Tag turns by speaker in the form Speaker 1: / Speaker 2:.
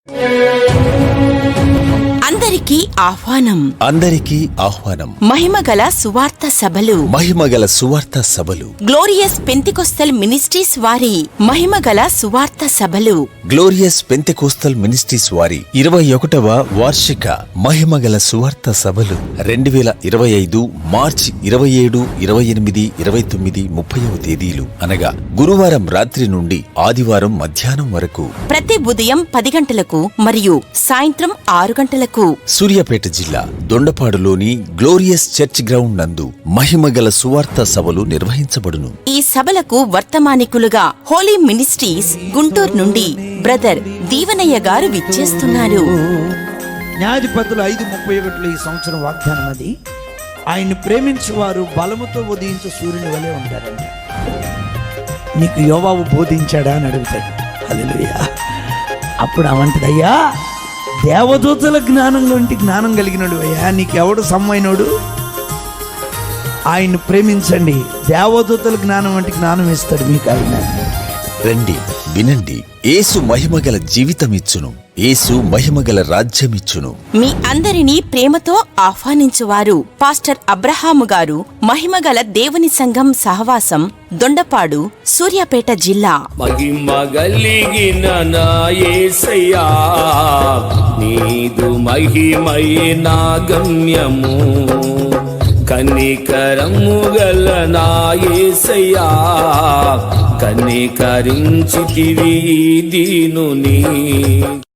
Speaker 1: అందరికీ ఆహ్వానం. మహిమగల సువార్త సభలు. గ్లోరియస్ పెంతెకోస్తల్ మినిస్ట్రీస్ వారి మహిమగల సువార్త సభలు.
Speaker 2: 21వ వార్షిక మహిమగల సువార్త సభలు 2025 మార్చి 27, 28, 29, 30వ తేదీలు అనగా గురువారం రాత్రి నుండి ఆదివారం మధ్యాహ్నం వరకు,
Speaker 1: ప్రతి ఉదయం 10 గంటలకు మరియు సాయంత్రం 6 గంటలకు
Speaker 2: సూర్యాపేట జిల్లా దొండపాడులోని గ్లోరియస్ చర్చ్ గ్రౌండ్ నందు మహిమగల సువార్త సభలు నిర్వహించబడును.
Speaker 1: ఈ సభలకు వర్తమానికులుగా హోలీ మినిస్ట్రీస్ గుంటూరు నుండి బ్రదర్ దీవనయ్య గారు విచ్చేస్తున్నారు.
Speaker 3: న్యాయాధిపతులు 5:31 ఈ సంవత్సరం వాగ్దానం అది. ఆయన్ని ప్రేమించువారు బలముతో ఉదయించే సూర్యుని వలె ఉంటారంట. నీకు యోవాబు బోధించాడా అని అడుగుతాడు. హల్లెలూయా. అప్పుడు అవంటదయ్యా, దేవదూతల జ్ఞానం వంటి జ్ఞానం కలిగినడు అయ్యా, నీకెవడు సమ్మైనోడు? ఆయన్ని ప్రేమించండి, దేవదూతల జ్ఞానం వంటి జ్ఞానం ఇస్తాడు మీకు ఆయన.
Speaker 2: రండి, వినండి. యేసు మహిమగల జీవితమిచ్చును, యేసు మహిమగల రాజ్యమిచ్చును.
Speaker 1: మీ అందరినీ ప్రేమతో ఆహ్వానించువారు పాస్టర్ అబ్రహాము గారు, మహిమగల దేవుని సంఘం సహవాసం, దొండపాడు, సూర్యాపేట జిల్లా.
Speaker 4: మహిమగలిగిన నా యేసయ్యా, నీదు మహిమయే నా గమ్యము. కనికరము గల నా యేసయ్యా, కనికరించితివి దీనుని.